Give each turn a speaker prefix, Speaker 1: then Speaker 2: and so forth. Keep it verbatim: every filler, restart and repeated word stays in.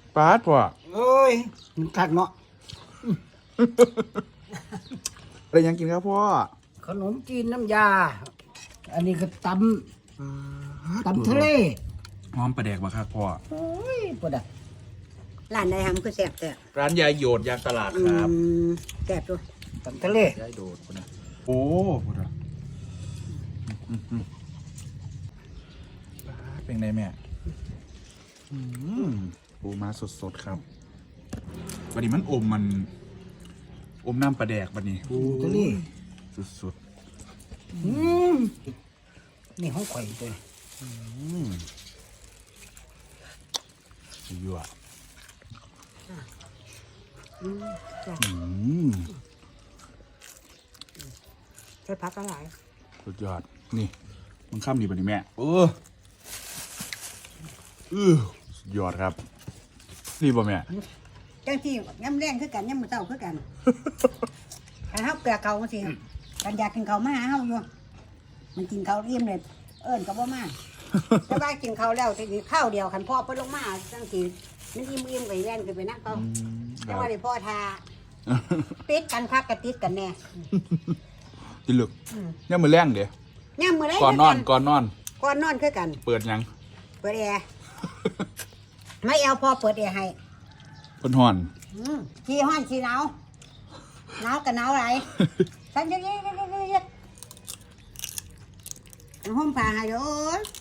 Speaker 1: ปาดพ่อ
Speaker 2: โอ้ยมันคักเนาะ
Speaker 1: อะไรยังกินครับพ่อ
Speaker 2: ขนมจีนน้ำยา อันนี้ก็ตำตำทะเล
Speaker 1: หอมประแดกมาครับพ่อ
Speaker 2: โอ้ยปวดอ่ะ
Speaker 3: ร้านใดทำคือแซ่บแต่
Speaker 1: ร้านยายโยดยางตลาด
Speaker 3: อื
Speaker 1: ครับ
Speaker 3: มแซ่บด้วย
Speaker 2: ตำทะเลย
Speaker 1: ายโดดคนนะโอ้พูดอะอืมอืมปาดเป็นไงแม่อืมปูมาสดๆครับวันนี้มันอมมัน อมน้ำปลาแดกวันนี้
Speaker 2: ตำทะเล
Speaker 1: สุด
Speaker 2: อืมนี่ห้องข่อยตัวนี้
Speaker 1: ๆอืมยั่ว
Speaker 3: อืมแซ่บ
Speaker 1: อืม
Speaker 3: ใช้พักก็หลาย
Speaker 1: สุดยอด นี่ มันข้ามดีป่ะนี่แม่ เออเออสุดยอดครับ นี่ป่ะแม่
Speaker 3: จังที่ย่ำแรงคือกันย่ำมือเต้าคือกันถ้าเฮาเกลือเขาสิกันอยากกินเขามาหาเฮาอยู่มันกินเขาเอี่ยมเลยเอิ้นก็บ่มาแต่ว่ากินเขาแล้วสิข้าวเดียวคันพ่อเพิ่นลงมาจังสิมันอิ่มๆไปแล่นขึ้นไปนั่งเขาแต่ว่าได้พ่อทาติดกันคักกะติดกันแน่
Speaker 1: จิลึกเนี่ยมือแรงเดี๋ยว
Speaker 3: ย่ำมื้อใด
Speaker 1: ก่อนนอน ก่อนนอน
Speaker 3: ก่อนนอนคือกัน
Speaker 1: เปิดยัง
Speaker 3: เปิดแอร์ไม่เอาพอเปิดแอร์ให้
Speaker 1: เพิ่นห่อน
Speaker 3: อืมขี้ห้อนขี้หนาวหนาวกับหนาวอะไรฉันจะเย็นๆๆๆๆห่มผ้าให้เด้อโอ้ย